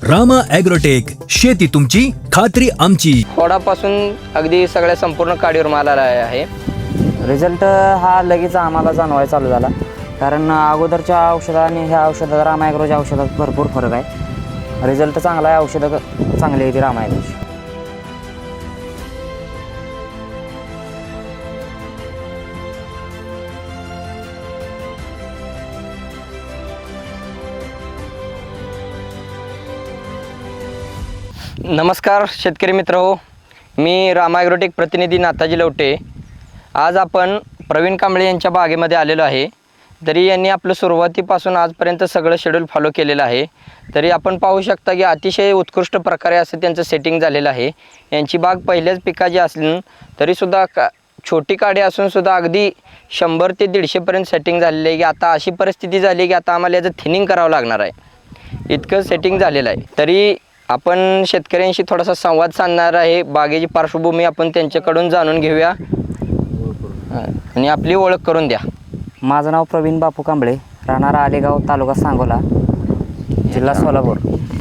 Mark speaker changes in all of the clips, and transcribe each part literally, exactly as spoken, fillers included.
Speaker 1: Rama agrotech, शेती तुमची खात्री आमची.
Speaker 2: खोडापासून अगदी सगळ्या संपूर्ण काडीवर माल आला आहे.
Speaker 3: रिझल्ट हा लगेच आम्हाला जाणवायला चालू झाला, कारण अगोदरच्या औषधा आणि ह्या औषधात रामा ॲग्रोच्या औषधात भरपूर फरक आहे. रिझल्ट चांगला आहे, औषधं चांगली आहे ती रामा ॲग्रोची.
Speaker 2: नमस्कार शेतकरी मित्र हो, मी रामा ॲग्रोटेक प्रतिनिधी नाताजी लवटे. आज आपण प्रवीण कांबळे यांच्या बागेमध्ये आलेलो आहे. तरी यांनी आपलं सुरुवातीपासून आजपर्यंत सगळं शेड्यूल फॉलो केलेलं आहे. तरी आपण पाहू शकता की अतिशय उत्कृष्ट प्रकारे असं त्यांचं सेटिंग झालेलं आहे. यांची बाग पहिल्याच पिकाची असली तरीसुद्धा का छोटी काडी असूनसुद्धा अगदी शंभर ते दीडशेपर्यंत सेटिंग झालेलं आहे. की आता अशी परिस्थिती झाली की आता आम्हाला याचं थिनिंग करावं लागणार आहे, इतकं सेटिंग झालेलं आहे. तरी आपण शेतकऱ्यांशी थोडासा संवाद साधणार आहे. बागेची पार्श्वभूमी आपण त्यांच्याकडून जाणून घेऊया आणि आपली ओळख करून द्या.
Speaker 3: माझं नाव प्रवीण बापू कांबळे, राहणार आलेगाव, तालुका सांगोला, जिल्हा सोलापूर.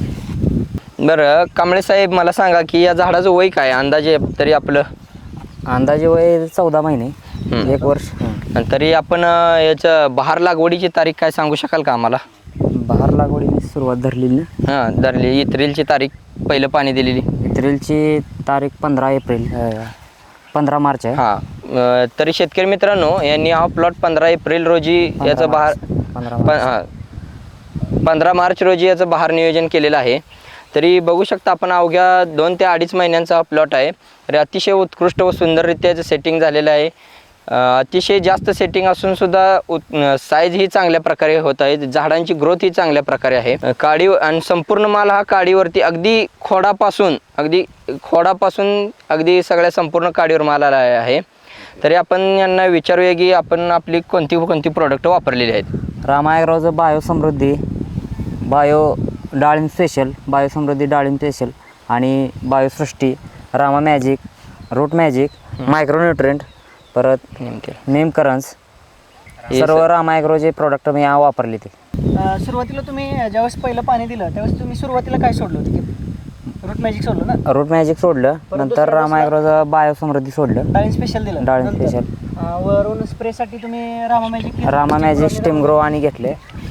Speaker 2: बरं कांबळे साहेब, मला सांगा की या झाडाचं वय काय अंदाजे? तरी आपलं
Speaker 3: अंदाजे वय चौदा महिने, एक वर्ष.
Speaker 2: तरी आपण याचं बहार लागवडीची तारीख काय सांगू शकाल का आम्हाला?
Speaker 3: बहार लागवडीने सुरुवात धरलेली ना?
Speaker 2: हां, धरली. एप्रिलची तारीख पहिलं पाणी दिलेली.
Speaker 3: एप्रिलची तारीख पंधरा एप्रिल पंधरा मार्च आहे.
Speaker 2: हां, तरी शेतकरी मित्रांनो, यांनी हा प्लॉट पंधरा एप्रिल रोजी याचं बहार
Speaker 3: पंधरा
Speaker 2: हां पंधरा मार्च रोजी याचं बहार नियोजन केलेलं आहे. तरी बघू शकता आपण अवघ्या दोन ते अडीच महिन्यांचा हा प्लॉट आहे. तरी अतिशय उत्कृष्ट व सुंदररित्या याचं सेटिंग झालेलं आहे. अतिशय जास्त सेटिंग असूनसुद्धा साईज ही चांगल्या प्रकारे होत आहे. झाडांची ग्रोथ ही चांगल्या प्रकारे आहे. काडी आणि संपूर्ण माल हा काडीवरती अगदी खोडापासून अगदी खोडापासून अगदी सगळ्या संपूर्ण काडीवर माल आला आहे. तरी आपण यांना विचारूया की आपण आपली कोणती कोणती प्रोडक्ट वापरलेली आहेत.
Speaker 3: रामा ॲग्रोचं bio Samruddhi, bio Dalimb special, bio Samruddhi Dalimb special आणि Biosrushti, Rama magic, root magic, micronutrient, परत नेम करन्स, सर्व रामा ॲग्रोचे प्रोडक्ट मी वापरले. ते
Speaker 4: सुरुवातीला तुम्ही ज्यावेळेस पहिलं पाणी दिलं त्यावेळेस तुम्ही सुरुवातीला काय सोडलं होतं की रूट मॅजिक सोडलं ना?
Speaker 3: रूट मॅजिक सोडलं, नंतर रामा ॲग्रोचं बायो समृद्धी सोडलं,
Speaker 4: डाळिंब स्पेशल दिलं.
Speaker 3: डाळिंब स्पेशल.
Speaker 4: वरून स्प्रेसाठी तुम्ही Rama magic
Speaker 3: Rama magic steam grow आणि घेतले.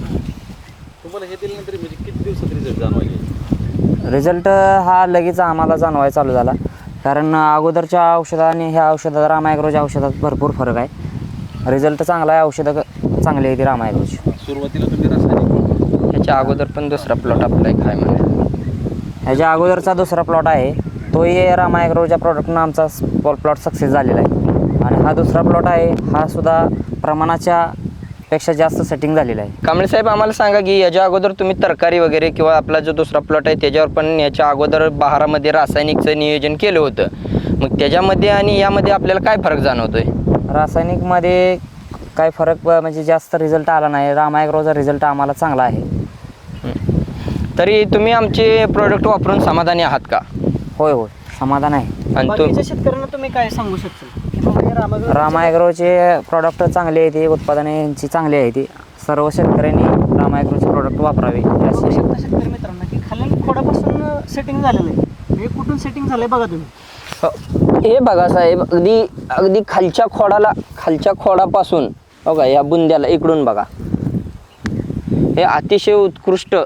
Speaker 5: तुम्हाला हे दिल्यानंतर म्हणजे किती दिवसात रिझल्ट जाणवायचे?
Speaker 3: रिझल्ट हा लगेच आम्हाला जाणवायला चालू झाला, कारण अगोदरच्या औषधा आणि ह्या औषधात रामा ॲग्रोच्या औषधात भरपूर फरक आहे. रिझल्ट चांगला आहे, औषधं चांगली आहे ती रामा ॲग्रोची.
Speaker 5: सुरुवातीला तुम्ही रासायनिक,
Speaker 2: ह्याच्या अगोदर पण दुसरा प्लॉट आपला एक आहे म्हणे.
Speaker 3: ह्याच्या अगोदरचा दुसरा प्लॉट आहे, तोही रामा ॲग्रोच्या प्रोडक्टनं आमचा प्लॉट सक्सेस झालेला आहे. आणि हा दुसरा प्लॉट आहे, हा सुद्धा प्रमाणाच्या पेक्षा जास्त सेटिंग झालेला आहे.
Speaker 2: कांबळे साहेब, आम्हाला सांगा की याच्या अगोदर तुम्ही तरकारी वगैरे किंवा आपला जो दुसरा प्लॉट आहे त्याच्यावर पण याच्या अगोदर बहारामध्ये रासायनिकचं नियोजन केलं होतं. मग त्याच्यामध्ये आणि यामध्ये आपल्याला काय फरक जाणवतोय?
Speaker 3: रासायनिकमध्ये काय फरक म्हणजे जास्त रिझल्ट आला नाही. रामा ॲग्रोचा रिझल्ट आम्हाला चांगला आहे.
Speaker 2: तरी तुम्ही आमचे प्रोडक्ट वापरून समाधानी आहात का?
Speaker 3: होय होय, समाधान आहे.
Speaker 2: आणि
Speaker 4: बाकीच्या
Speaker 2: तू
Speaker 4: शेतकऱ्यांना तुम्ही काय सांगू शकता की बाबा हे रामा
Speaker 3: रामा ॲग्रोचे प्रॉडक्ट चांगले आहे, ते उत्पादने यांची चांगली आहे. ती सर्व शेतकऱ्यांनी रामा ॲग्रोचे प्रॉडक्ट वापरावे
Speaker 4: बघू
Speaker 3: अशी.
Speaker 4: शकता शेतकरी मित्रांना की खाली खोडापासून सेटिंग झालेलं आहे. हे कुठून सेटिंग झालंय बघा तुम्ही.
Speaker 2: हे बघा साहेब, अगदी अगदी खालच्या खोडाला खालच्या खोडापासून बघा या बुंद्याला इकडून बघा, हे अतिशय उत्कृष्ट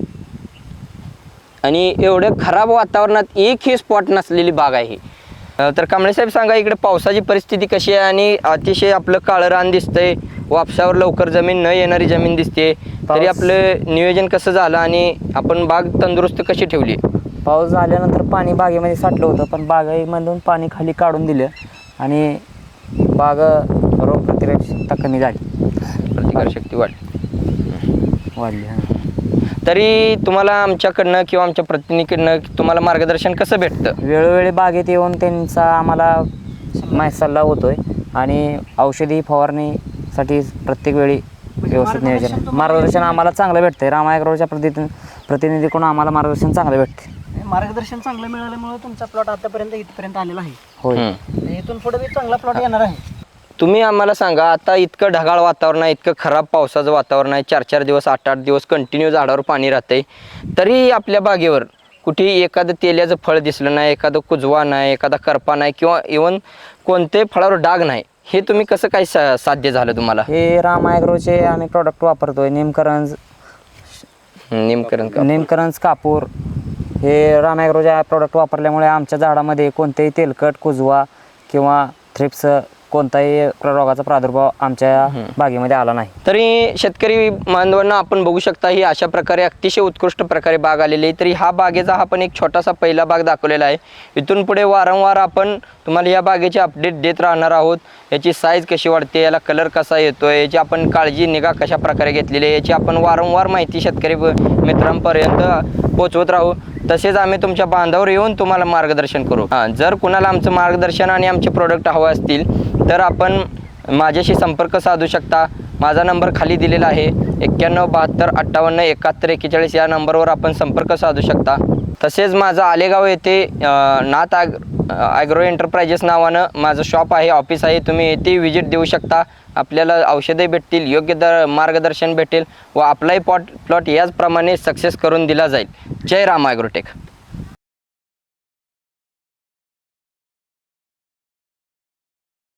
Speaker 2: आणि एवढ्या खराब वातावरणात एकही स्पॉट नसलेली बाग आहे. तर कांबळे साहेब सांगा, इकडे पावसाची परिस्थिती कशी आहे आणि अतिशय आपलं काळं रान दिसतंय, वापसावर लवकर जमीन न येणारी जमीन दिसते. तरी आपलं नियोजन कसं झालं आणि आपण बाग तंदुरुस्त कशी ठेवली?
Speaker 3: पाऊस झाल्यानंतर पाणी बागेमध्ये साठलं होतं, पण बागेमधून पाणी खाली काढून दिलं आणि बाग रोग प्रतिकारशक्ती कमी झाली,
Speaker 2: प्रतिकारशक्ती वाढ
Speaker 3: वाढली. हां.
Speaker 2: तरी तुम्हाला आमच्याकडनं किंवा आमच्या प्रतिनिधीकडनं तुम्हाला मार्गदर्शन कसं भेटतं?
Speaker 3: वेळोवेळी बागेत येऊन त्यांचा आम्हाला माहिती सल्ला होतोय आणि औषधी फवारणीसाठी प्रत्येक वेळी व्यवस्थित नियोजन मार्गदर्शन आम्हाला चांगलं भेटतंय. रामा ॲग्रोच्या प्रति प्रतिनिधीकडून आम्हाला मार्गदर्शन चांगलं भेटते.
Speaker 4: मार्गदर्शन चांगलं मिळाल्यामुळे तुमचा प्लॉट आतापर्यंत इथपर्यंत आलेला आहे.
Speaker 3: होय.
Speaker 4: इथून पुढे बी चांगला प्लॉट येणार आहे.
Speaker 2: तुम्ही आम्हाला सांगा, आता इतकं ढगाळ वातावरण आहे, इतकं खराब पावसाचं वातावरण आहे, चार चार दिवस आठ आठ दिवस कंटिन्यू झाडावर पाणी राहतंय, तरी आपल्या बागेवर कुठे एखादं तेल्याचं फळ दिसलं नाही, एखादं कुजवा नाही, एखादा करपा नाही किंवा इवन कोणत्याही फळावर डाग नाही, हे तुम्ही कसं काय सा साध्य झालं तुम्हाला?
Speaker 3: हे राम ॲग्रोचे आम्ही प्रॉडक्ट वापरतोय. निमकरंज
Speaker 2: नेमकरण का
Speaker 3: निमकरंज कापूर हे राम ॲग्रोचे प्रॉडक्ट वापरल्यामुळे आमच्या झाडामध्ये कोणतेही तेलकट, कुजवा किंवा थ्रिप्स कोणताही रोगाचा प्रादुर्भाव आमच्या बागेमध्ये आला नाही.
Speaker 2: तरी शेतकरी बांधवांना आपण बघू शकता, ही अशा प्रकारे अतिशय उत्कृष्ट प्रकारे बाग आलेली आहे. तरी हा बागेचा हा पण एक छोटासा पहिला बाग दाखवलेला आहे. इथून पुढे वारंवार आपण तुम्हाला या बागेचे अपडेट देत राहणार आहोत. याची साईज कशी वाढते, याला कलर कसा येतो, याची आपण काळजी निगा कशा प्रकारे घेतलेली आहे, याची आपण वारंवार माहिती शेतकरी मित्रांपर्यंत पोचवत राहू. तसेच आम्ही तुमच्या बांधावर येऊन तुम्हाला मार्गदर्शन करू. हां, जर कुणाला आमचं मार्गदर्शन आणि आमचे प्रोडक्ट हवे असतील तर आपण माझ्याशी संपर्क साधू शकता. माझा नंबर खाली दिलेला आहे, एक्क्याण्णव बहात्तर अठ्ठावन्न एकाहत्तर एक्केचाळीस या नंबरवर आपण संपर्क साधू शकता. तसेच माझं आलेगाव येथे नाथ ॲग ॲग्रो एंटरप्राइजेस नावानं माझं शॉप आहे, ऑफिस आहे. तुम्ही येथे व्हिजिट देऊ शकता. आपल्याला औषधे भेटतील, योग्य दर मार्गदर्शन भेटेल व आपलाही पॉट प्लॉट याचप्रमाणे सक्सेस करून दिला जाईल. जय राम ॲग्रोटेक.